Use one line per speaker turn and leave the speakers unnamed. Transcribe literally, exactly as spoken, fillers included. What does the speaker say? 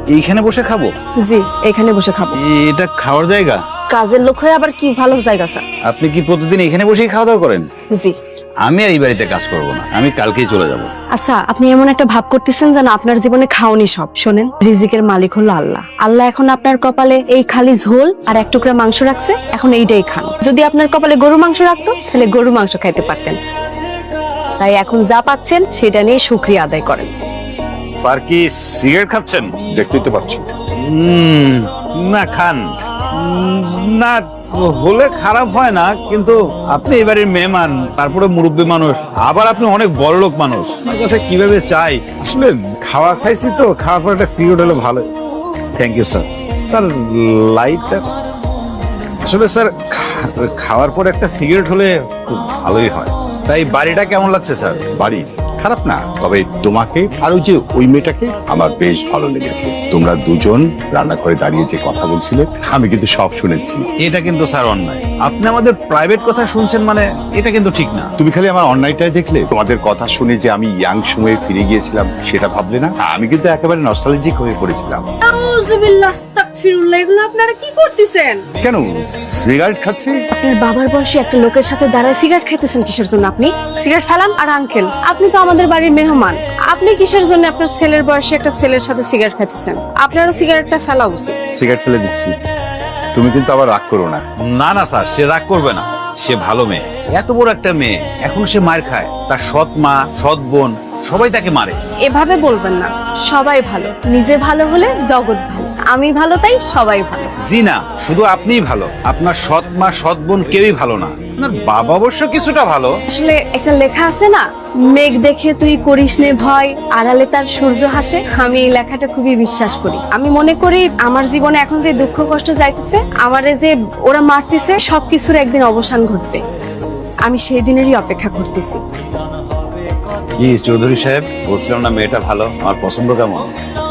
এইখানে বসে খাবো?
জি, এখানে বসে খাবো।
এটা খাওয়ার জায়গা?
কাজের লোক হয়ে আবার কি ভালো জায়গা স্যার?
আপনি কি প্রতিদিন এখানে বসেই খাওয়া দাওয়া করেন?
জি।
আমি আর এই বাড়িতে কাজ করব না, আমি কালকেই চলে যাব।
আচ্ছা, আপনি এমন একটা ভাব করতেছেন যেন আপনার জীবনে খাওনি সব। শোনেন, রিজিকের মালিক হলো আল্লাহ। আল্লাহ এখন আপনার কপালে এই খালি ঝোল আর এক টুকরা মাংস রাখছে, এখন এইটাই খান। যদি আপনার কপালে গরু মাংস রাখতো তাহলে গরু মাংস খাইতে পারতেন। তাই এখন যা পাচ্ছেন সেটা নিয়ে শুকরিয়া আদায় করেন।
স্যার কি সিগারেট খাচ্ছেন?
দেখতেই তো পাচ্ছি।
উম, না খান। উম, না হলে খারাপ হয় না, কিন্তু আপনি এবারের মেহমান, তারপরে মুরব্বী মানুষ, আবার আপনি অনেক বড় লোক মানুষ, আমার কাছে কিভাবে চাই।
আসলে খাওয়া খাইছি তো, খাওয়ার পর একটা সিগারেট হলে ভালো।
Thank you sir. স্যার লাইটটা
আসলে স্যার খা- খাওয়ার পর একটা সিগারেট হলে খুব ভালোই হয়।
তাই বাড়িটা কেমন লাগছে স্যার?
বাড়ি খারাপ না, তবে তোমাকে আর ওই যে ওই মেয়েটাকে আমার বেশ ভালো লেগেছে। তোমরা দুজন রান্নাঘরে দাঁড়িয়ে যে কথা বলছিলে, আমি কিন্তু সব শুনেছি।
এটা কিন্তু স্যার অন্যায়। আপনি আমাদের প্রাইভেট কথা শুনছেন, মানে এটা কিন্তু ঠিক না।
তুমি খালি আমার অন্যায়টাই দেখলে, তোমাদের কথা শুনে যে আমি ইয়াং সময়ে ফিরে গিয়েছিলাম সেটা ভাবলে না। আমি কিন্তু একেবারে নস্টালজিক হয়ে পড়েছিলাম।
আউযুবিল্লাহ, আস্তাগফিরুল্লাহ, এগুলো আপনারা কি করতেছেন?
কেন সিগারেট খাচ্ছি?
আপনার বাবার বয়সী একটা লোকের সাথে দাঁড়ায় সিগারেট খাইতেছেন কিসের জন্য? আপনি সিগারেট ফেলান। আর আঙ্কেল, আপনি তো আমাদের বাড়ির মেহমান, আপনি কিসের জন্য আপনার ছেলের বয়সী একটা ছেলের সাথে সিগারেট খাইতেছেন? আপনারও সিগারেটটা ফেলা উচিত।
সিগারেট ফেলে দিচ্ছি, তুমি কিন্তু আবার রাগ করো না।
না না স্যার, সে রাগ করবে না, সে ভালো মেয়ে। এত বড় একটা মেয়ে, এখন সে মার খায়। তার সৎ মা, সৎ বোন সবাই তাকে মারে।
এভাবে বলবেন না, সবাই ভালো। নিজে ভালো হলে জগৎ ভালো। আমি ভালো, তাই সবাই ভালো।
জি না, শুধু আপনিই ভালো, আপনার সৎ মা, সৎ বোন কেউই ভালো না। আপনার বাবা অবশ্য কিছুটা ভালো।
আসলে একটা লেখা আছে না, মেঘ দেখে তুই করিস নে ভয়, আড়ালে তার সূর্য হাসে। আমি এই লেখাটা খুবই বিশ্বাস করি। আমি মনে করি আমার জীবনে এখন যে দুঃখ কষ্ট যাইতেছে, আমারে যে ওরা মারতেছে, সবকিছুর একদিন অবসান ঘটবে। আমি সেই দিনেরই অপেক্ষা করতেছি।
কি চৌধুরী সাহেব, বলছিলাম না মেয়েটা ভালো, আমার পছন্দ কেমন?